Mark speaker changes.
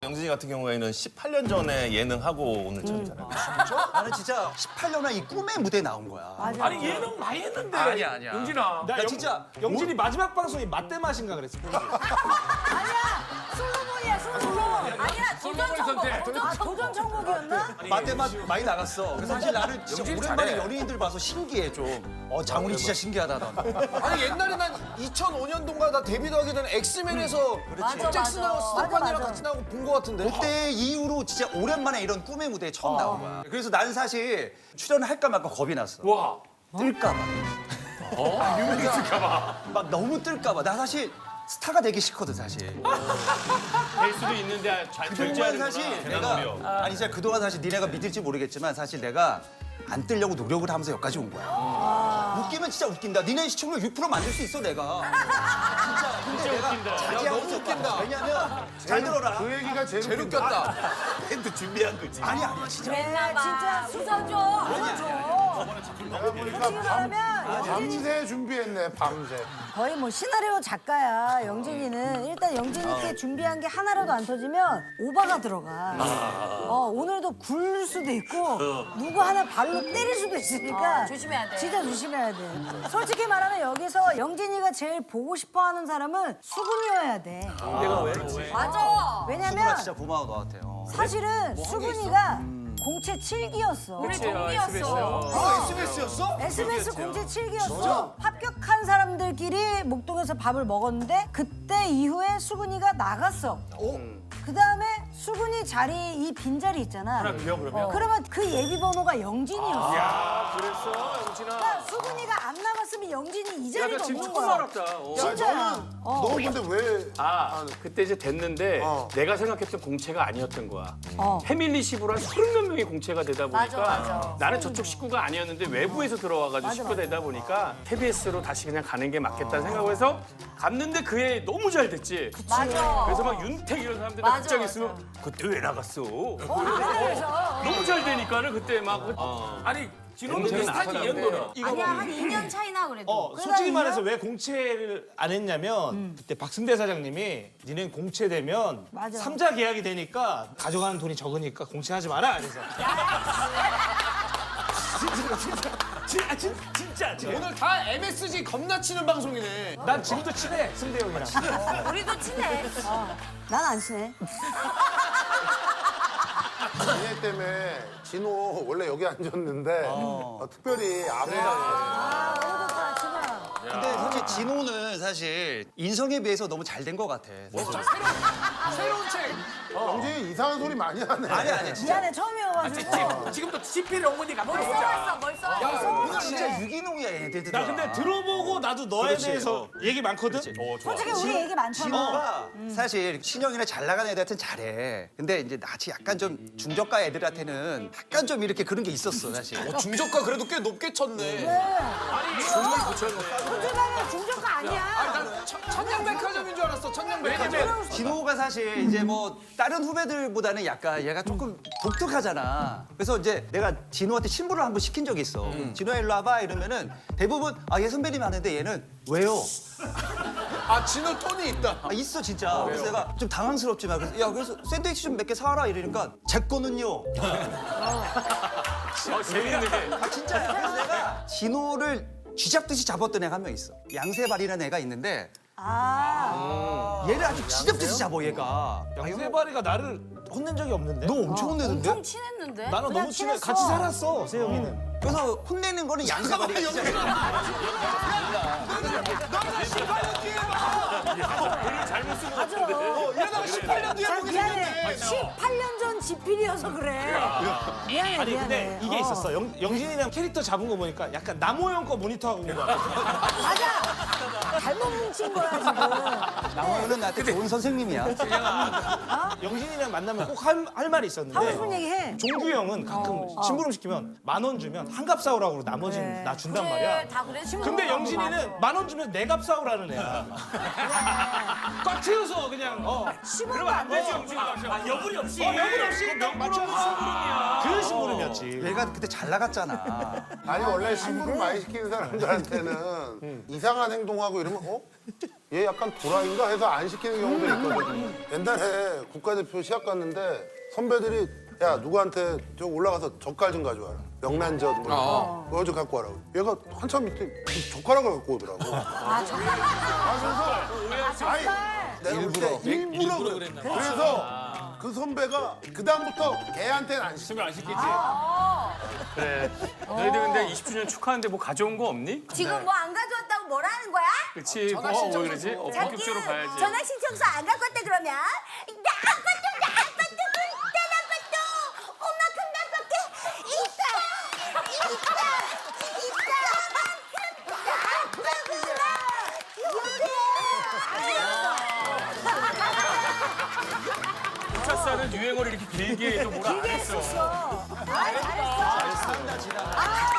Speaker 1: 영진이 같은 경우에는 18년 전에 예능하고 오늘 처음이잖아요.
Speaker 2: 나는 진짜 18년 만에 이 꿈의 무대에 나온 거야.
Speaker 3: 맞아.
Speaker 4: 아니 예능 많이 했는데.
Speaker 2: 아니야.
Speaker 4: 영진아.
Speaker 2: 나 진짜
Speaker 5: 영진이 마지막 방송이 맛대 맛인가 그랬어.
Speaker 3: 아니야. 솔로몬이야, 솔로몬. 아니야,
Speaker 4: 솔로몬 선택.
Speaker 3: 도전 천국이었나?
Speaker 2: 맛대맛 많이 나갔어. 그래서 사실 나는 진짜
Speaker 4: 영진이
Speaker 2: 오랜만에
Speaker 4: 잘해.
Speaker 2: 연예인들 봐서 신기해 좀. 장훈이 진짜 신기하다. 넌.
Speaker 6: 아니 옛날에 난 2005년도인가 나 데뷔도 하기 전에 엑스맨에서
Speaker 3: 맞아,
Speaker 6: 잭슨하고
Speaker 3: 맞아.
Speaker 6: 스테판이랑
Speaker 3: 맞아.
Speaker 6: 같이 나오고 본 거 같은데.
Speaker 2: 그때 이후로 진짜 오랜만에 이런 꿈의 무대에 처음 나온 거야. 그래서 난 사실 출연을 할까 말까 겁이 났어.
Speaker 4: 와.
Speaker 2: 뜰까 봐.
Speaker 4: 유명해질까봐.
Speaker 2: 막 너무 뜰까 봐. 나 사실 스타가 되기 싫거든 사실.
Speaker 4: 될 수도 있는데 잘
Speaker 2: 그동안
Speaker 4: 절제하는구나.
Speaker 2: 사실 내가 아니 진짜 그동안 사실 니네가 믿을지 모르겠지만 사실 내가 안 뜨려고 노력을 하면서 여기까지 온 거야. 웃기면 진짜 웃긴다. 니네 시청률 6% 만들 수 있어 내가. 진짜. 근데 내가
Speaker 4: 웃긴다.
Speaker 2: 자제하고
Speaker 6: 너무 웃긴다.
Speaker 2: 왜냐면 잘 들어라.
Speaker 7: 그 얘기가
Speaker 6: 제일 웃겼다.
Speaker 1: 밴드 준비한 거지.
Speaker 2: 아니야 진짜.
Speaker 3: 진짜 수서줘. 안아줘. 솔직히 말하면
Speaker 7: 밤새 준비했네 밤새.
Speaker 3: 거의 뭐 시나리오 작가야, 영진이는. 일단 영진이께 준비한 게 하나라도 안 터지면 오바가 들어가. 오늘도 굴 수도 있고 누구 하나 발로 때릴 수도 있으니까
Speaker 8: 조심해야 돼.
Speaker 3: 진짜 조심해야 돼. 솔직히 말하면 여기서 영진이가 제일 보고 싶어하는 사람은 수근이어야 돼.
Speaker 2: 내가 왜?
Speaker 8: 맞아.
Speaker 2: 수근아
Speaker 3: 왜냐면
Speaker 2: 진짜 고마워 너한테.
Speaker 3: 사실은 수근이가 공채 7기였어.
Speaker 8: 우리 동기였어.
Speaker 6: SBS였어?
Speaker 3: SBS 공채 7기였어. 합격한 사람들끼리 목동에서 밥을 먹었는데 그때 이후에 수근이가 나갔어. 그 다음에 수근이 자리 이 빈자리 있잖아.
Speaker 4: 하나 비어 그러면.
Speaker 3: 그러면 그 예비 번호가 영진이었어.
Speaker 4: 야, 그랬어 영진아.
Speaker 3: 그러니까 수근이가 안 나갔으면 영진이 이 자리가
Speaker 4: 지금
Speaker 3: 없는
Speaker 4: 처음
Speaker 3: 거야.
Speaker 4: 알았다.
Speaker 3: 진짜야.
Speaker 7: 너 근데 왜?
Speaker 4: 그때 이제 됐는데 내가 생각했던 공채가 아니었던 거야.
Speaker 3: 어.
Speaker 4: 패밀리십으로 한 30몇 명이 공채가 되다 보니까
Speaker 8: 맞아.
Speaker 4: 나는 저쪽 식구가 아니었는데 외부에서 들어와가지고 식구 되다 보니까 KBS로 다시 그냥 가는 게 맞겠다는 생각을 해서 갔는데 그해 너무 잘 됐지.
Speaker 8: 맞아.
Speaker 4: 그래서 막 윤택 이런 사람들
Speaker 8: 맞아,
Speaker 4: 극장
Speaker 8: 맞아.
Speaker 4: 있으면 그때 왜 나갔어?
Speaker 3: 그래서
Speaker 4: 너무 잘 되니까는 그때 막 아니 진호는 비슷하지 이현도는.
Speaker 8: 아니야, 한 2년 차이나 그래도.
Speaker 5: 솔직히 말해서 왜 공채를 안 했냐면 그때 박승대 사장님이 니넨 공채되면
Speaker 3: 맞아.
Speaker 5: 삼자 계약이 되니까 가져가는 돈이 적으니까 공채하지 마라 그래서. 진짜.
Speaker 6: 오늘 다 MSG 겁나 치는 방송이네.
Speaker 5: 난 지금도 친해 승대 형이랑.
Speaker 8: 우리도 친해.
Speaker 3: 난 안 친해.
Speaker 7: 니네 때문에 진호 원래 여기 앉았는데 특별히 아프다.
Speaker 3: 아, 너무 좋다, 진아.
Speaker 2: 근데 사실 진호는 사실 인성에 비해서 너무 잘 된 것 같아.
Speaker 6: 새로운 책.
Speaker 7: 영진이 이상한 소리 많이 하네.
Speaker 2: 아니 진짜.
Speaker 3: 미안해, 처음이어가지고.
Speaker 4: 지금부터 CP를 어머니가
Speaker 8: 뭘 써왔어, 뭘 써왔어.
Speaker 2: 진짜 유기농이야 얘네들.
Speaker 5: 나 근데 들어보고 나도 너에
Speaker 2: 그렇지.
Speaker 5: 대해서 얘기 많거든.
Speaker 3: 솔직히 우리 얘기 많잖아.
Speaker 2: 진호가 사실 신영이나 잘 나가는 애들한테는 잘해. 근데 이제 나치 약간 좀 중저가 애들한테는 약간 좀 이렇게 그런 게 있었어 사실.
Speaker 6: 중저가 그래도 꽤 높게 쳤네.
Speaker 4: 정말 붙였네.
Speaker 3: 솔직히 말하면 중저가 아니야.
Speaker 6: 천냥백화점인 줄 알았어. 천냥백화점.
Speaker 2: 진호가 사실 이제 뭐 다른 후배들보다는 약간 얘가 조금 독특하잖아. 그래서 이제 내가 진호한테 신부를 한번 시킨 적이 있어. 진호야 일로 와봐 이러면은 대부분 얘 선배님 하는데 얘는 왜요?
Speaker 6: 아 진호 톤이 있다.
Speaker 2: 있어 진짜. 그래서 내가 좀 당황스럽지만 그래서 샌드위치 좀 몇 개 사와라 이러니까 제 거는요.
Speaker 4: 재밌는데.
Speaker 2: 진짜. 그래서 내가 진호를 쥐잡듯이 잡았던 애가 한 명 있어. 양세발이라는 애가 있는데 얘를 아주 쥐잡듯이 잡아 얘가.
Speaker 5: 양세바리가 나를 혼낸 적이 없는데.
Speaker 2: 너 엄청 혼내던데?
Speaker 8: 엄청 친했는데?
Speaker 5: 나는
Speaker 3: 그냥
Speaker 5: 너무 친해.
Speaker 3: 친했어.
Speaker 5: 같이 살았어 세영이는.
Speaker 2: 그래서 혼내는 거는 양세발이가 진짜.
Speaker 3: 맞아.
Speaker 6: 이러다가 18년 뒤에 보게
Speaker 3: 미안해.
Speaker 6: 생겼네.
Speaker 3: 18년 전 지필이어서 그래. 미안해,
Speaker 5: 아니 근데
Speaker 3: 미안해.
Speaker 5: 이게 있었어. 영진이랑 캐릭터 잡은 거 보니까 약간 남호영 거 모니터하고 온 거야.
Speaker 3: 맞아. 잘못 뭉친 거야, 지금.
Speaker 2: 남호는 나한테 좋은 선생님이야.
Speaker 5: 영진이랑 만나면 꼭 할 말이 있었는데.
Speaker 3: 하고 싶은 얘기 해.
Speaker 5: 종규 형은 가끔 심부름 시키면 10,000원 주면 한 값 사오라고 그러고 나머지는
Speaker 3: 그래.
Speaker 5: 나 준단 말이야.
Speaker 8: 그래, 다 그래.
Speaker 5: 근데 영진이는 10,000원 주면 내 값 사오라는 애야. 꽉 채워서 그냥
Speaker 3: 심으면 안 돼.
Speaker 4: 여분이 없이.
Speaker 5: 여분 없이 명분 없는 심부름이야. 그 심부름이었지.
Speaker 2: 얘가 그때 잘 나갔잖아.
Speaker 7: 아니 원래 심부름 많이 시키는 사람들한테는 이상한 행동하고 이러면 얘 약간 도라인가 해서 안 시키는 경우도 있거든. 옛날에 국가대표 시합 갔는데 선배들이 야 누구한테 저 올라가서 젓갈 좀 가져와라. 명란젓 뭐 이런 거. 그거 좀 갖고 와라고. 얘가 한참 이때 젓가락을 갖고 오더라고. 그래서 아니 내가 일부러 그랬나 봐. 그래서 그 선배가 그 다음부터 걔한테는 안 시켜.
Speaker 5: 안 시키지.
Speaker 4: 그래. 너희들 근데 20주년 축하하는데 뭐 가져온 거 없니?
Speaker 8: 지금 뭐 안 가져왔다고 뭐라는 거야?
Speaker 4: 그렇지. 왜 그러지? 본격적으로 가야지.
Speaker 8: 전화 신청서 안 갖고 왔다 그러면 나 아빠도 딴 아빠도 엄마 큰 아빠께 있다
Speaker 4: 포차살은 유행어를 이렇게 길게 해도 뭐라 안 했어.
Speaker 3: 잘했어.
Speaker 2: 지나.